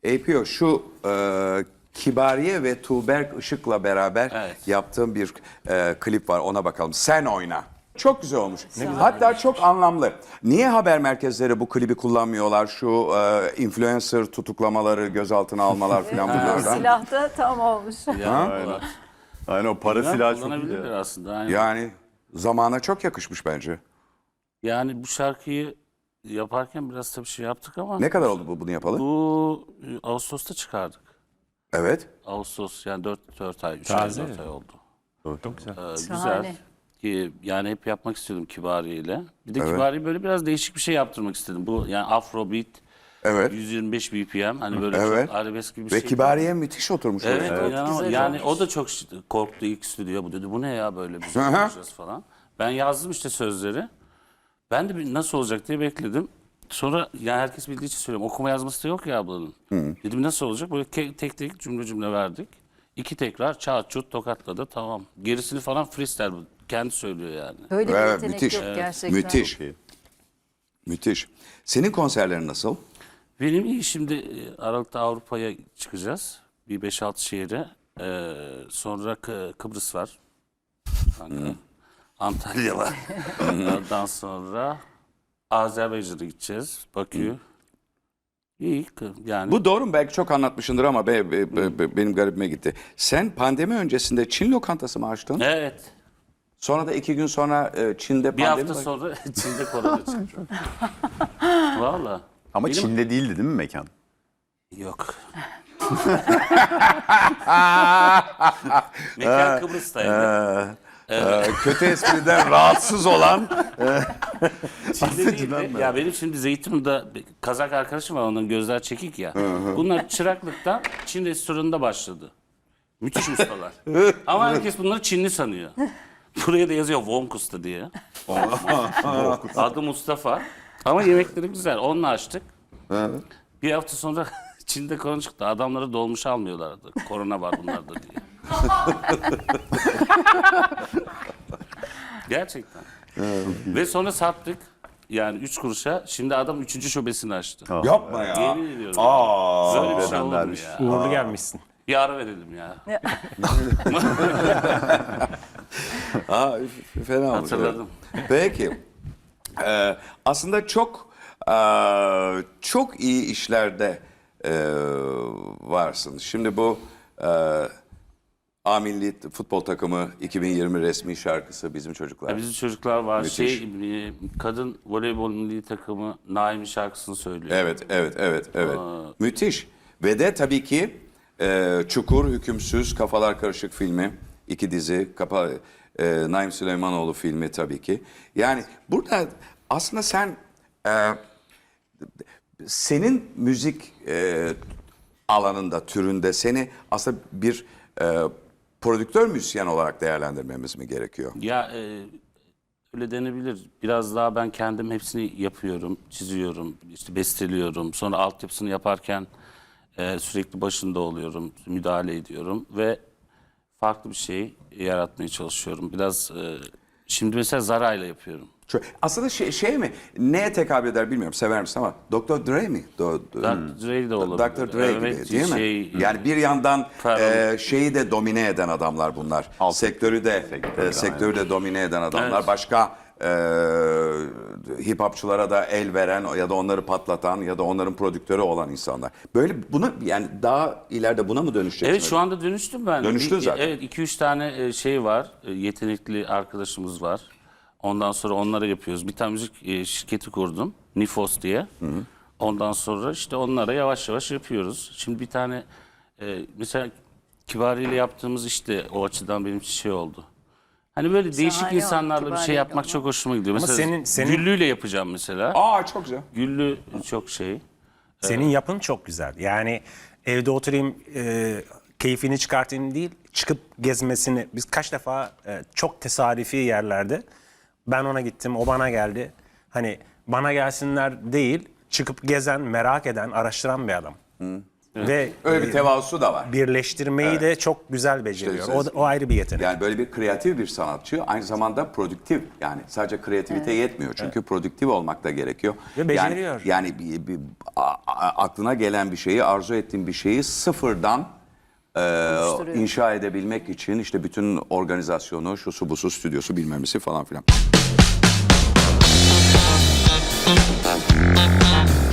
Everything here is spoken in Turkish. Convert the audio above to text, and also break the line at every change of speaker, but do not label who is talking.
APO şu Kibariye ve Tuğberk Işık'la beraber yaptığım bir klip var, ona bakalım. Sen oyna. Çok güzel olmuş. Hatta çok anlamlı. Niye haber merkezleri bu klibi kullanmıyorlar? Şu influencer tutuklamaları, gözaltına almalar falan bunlardan.
Silahta tam olmuş.
Aynen, o para silahı çok iyi.
Kullanabilirler aslında. Aynen.
Yani zamana çok yakışmış bence.
Yani bu şarkıyı yaparken biraz tabii şey yaptık ama...
Ne kadar oldu bunu yapalı?
Bu Ağustos'ta çıkardık.
Evet.
Ağustos yani 4 ay, 3 ay, 4 ay oldu.
Çok güzel.
Güzel. Yani hep yapmak istiyordum Kibariye ile. Bir de Kibariye böyle biraz değişik bir şey yaptırmak istedim. Bu yani Afrobeat,
Evet.
125 BPM, hani böyle çok arabesk gibi bir
Ve
şey.
Kibariye müthiş oturmuş.
Evet,
oraya.
yani o da çok korktu ilk stüdyo. Bu dedi, bu ne ya böyle bir şey yapacağız falan. Ben yazdım işte sözleri. Ben de nasıl olacak diye bekledim. Sonra yani herkes bildiği için söylüyorum. Okuma yazması da yok ya ablanın. Dedim nasıl olacak? Böyle tek tek cümle verdik. 2 tekrar çat çut tokatladı, tamam. Gerisini falan freestyle, bu. Kendi söylüyor yani.
Böyle bir
Evet,
yetenek
müthiş.
yok gerçekten.
Müthiş. Müthiş. Senin konserlerin nasıl?
Benim iyi, şimdi Aralık'ta Avrupa'ya çıkacağız. Bir 5-6 şehre. Sonra Kıbrıs var. Antalya var. Ondan sonra Azerbaycan'a gideceğiz. Bakü. İyi yani.
Bu doğru mu? Belki çok anlatmışındır ama benim garibime gitti. Sen pandemi öncesinde Çin lokantası mı açtın?
Evet.
Sonra da 2 gün sonra Çin'de
Bir
pandemi
hafta sonra Çin'de korona çıktı. Valla.
Ama Çin'de değildi değil mi mekan?
Yok. Mekan Kıbrıs'taydı.
Kötü espriden rahatsız olan
Çin'de değildi. Ya benim şimdi Zeytinburnu'da Kazak arkadaşım var, onun gözler çekik ya. Bunlar çıraklıktan Çin restoranında başladı. Müthiş ustalar. Ama herkes bunları Çinli sanıyor. Buraya da yazıyor Vonkus'ta diye. Adı Mustafa. Ama yemekleri güzel. Onunla açtık. Bir hafta sonra Çin'de korona çıktı. Adamları dolmuş almıyorlardı. Korona var bunlarda diye. Gerçekten. Ve sonra sattık. Yani 3 kuruşa. Şimdi adam 3. şubesini açtı.
yapma ya.
Yemin ediyorum.
Aa,
Böyle bir şey olur mu ya?
Uğurlu gelmişsin.
Bir ara verelim ya.
fena oldu.
Hatırladım.
Peki. Aslında çok iyi işlerde varsın. Şimdi bu A Milli Futbol Takımı 2020 resmi şarkısı Bizim Çocuklar.
Bizim çocuklar var.
Müthiş.
Kadın voleybol milli takımı Naimi şarkısını söylüyor.
Evet. Müthiş. Ve de tabii ki Çukur, Hükümsüz, Kafalar Karışık filmi. 2 dizi. Naim Süleymanoğlu filmi tabii ki. Yani burada aslında senin müzik alanında, türünde seni aslında bir prodüktör müzisyen olarak değerlendirmemiz mi gerekiyor?
Ya öyle denebilir. Biraz daha ben kendim hepsini yapıyorum, çiziyorum, işte besteliyorum. Sonra altyapısını yaparken sürekli başında oluyorum, müdahale ediyorum ve farklı bir şey yaratmaya çalışıyorum. Biraz şimdi mesela Zara'yla yapıyorum.
Aslında şey mi? Neye tekabül eder bilmiyorum. Sever misin ama Dr. Dre mi?
Dr. Dre de olabilir.
Dr. Dre gibi değil mi? Yani bir yandan şeyi de domine eden adamlar bunlar. Sektörü de domine eden adamlar.
Evet.
Başka hip hopçulara da el veren ya da onları patlatan ya da onların prodüktörü olan insanlar. Böyle bunu yani daha ileride buna mı dönüşeceksin?
Evet, şu anda dönüştüm ben.
Dönüştün zaten.
Evet, 2-3 tane şey var. Yetenekli arkadaşımız var. Ondan sonra onlara yapıyoruz. Bir tane müzik şirketi kurdum. Nifos diye. Ondan sonra işte onlara yavaş yavaş yapıyoruz. Şimdi bir tane mesela Kibariye ile yaptığımız işte o açıdan benim için şey oldu. Hani böyle değişik
Şahane
insanlarla bir şey
Kibariye
yapmak
ama.
çok hoşuma gidiyor.
Ama
Mesela
senin-
Güllü'yle yapacağım mesela.
Aa çok güzel.
Güllü çok şey.
Senin yapın çok güzel. Yani evde oturayım, keyfini çıkartayım değil, çıkıp gezmesini. Biz kaç defa çok tesadüfi yerlerde ben ona gittim, o bana geldi. Hani bana gelsinler değil, çıkıp gezen, merak eden, araştıran bir adam. Ve
Öyle bir tevazusu da var.
birleştirmeyi de çok güzel beceriyor.
İşte-
O ayrı bir yetenek.
Yani böyle bir kreatif bir sanatçı, aynı zamanda prodüktif. Yani sadece kreativite yetmiyor çünkü prodüktif olmak da gerekiyor.
Ve beceriyor.
Yani aklına gelen bir şeyi, arzu ettiğin bir şeyi sıfırdan inşa edebilmek için işte bütün organizasyonu, şusu busu, stüdyosu bilmemesi falan filan.